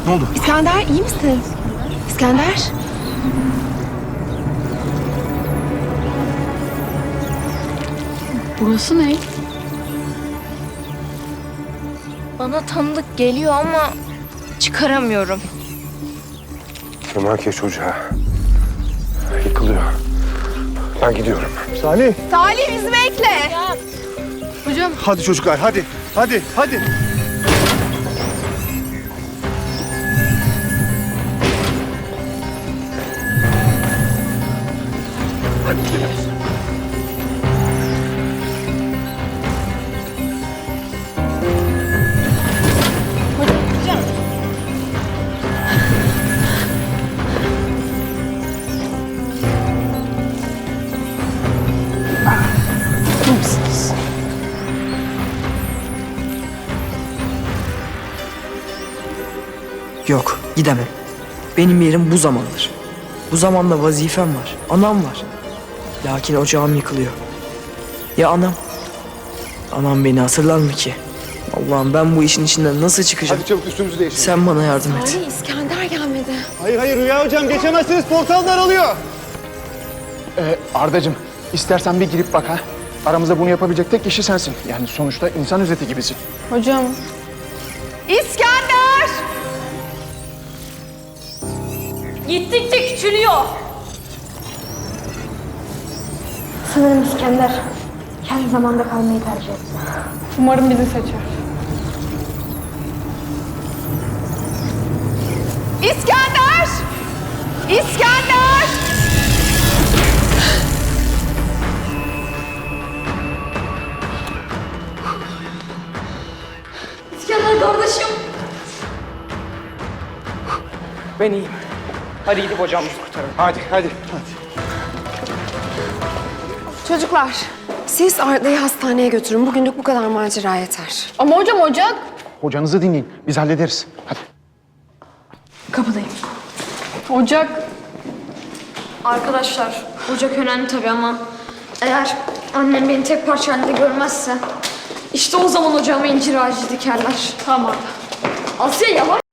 Ne oldu? İskender iyi misin? İskender? Burası ne? Bana tanıdık geliyor ama çıkaramıyorum. Kemal çocuğa. Yıkılıyor. Ben gidiyorum. Salih. Salih bizi bekle. Hocam Hadi çocuklar hadi. Hadi. Yok, gidemem. Benim yerim bu zamandır. Bu zamanda vazifem var, anam var. Lakin ocağım yıkılıyor. Ya anam? Anam beni hatırlar mı ki? Allah'ım ben bu işin içinden nasıl çıkacağım? Hadi çabuk üstümüzü değiştirelim. Sen bana yardım et. Salih İskender gelmedi. Hayır Rüya hocam geçemezsiniz, portal daralıyor. Ardacığım, istersen bir girip bak ha. Aramızda bunu yapabilecek tek kişi sensin. Yani sonuçta insan özeti gibisin. hocam. İskender! Gittikçe küçülüyor. Sanırım İskender her zamanda kalmayı tercih etti. Umarım bizi seçer. İskender! İskender! İskender kardeşim. Ben iyiyim. Hadi gidip ocağımızı kurtaralım. Hadi. Çocuklar, siz Arda'yı hastaneye götürün. Bugünlük bu kadar macera yeter. Ama hocam ocak. Hocanızı dinleyin, biz hallederiz. Hadi. Kapıdayım. Ocak. Arkadaşlar ocak önemli tabii ama eğer annem beni tek parça halinde görmezse işte o zaman ocağıma incir ağacı dikerler. Tamam. Asya yalan.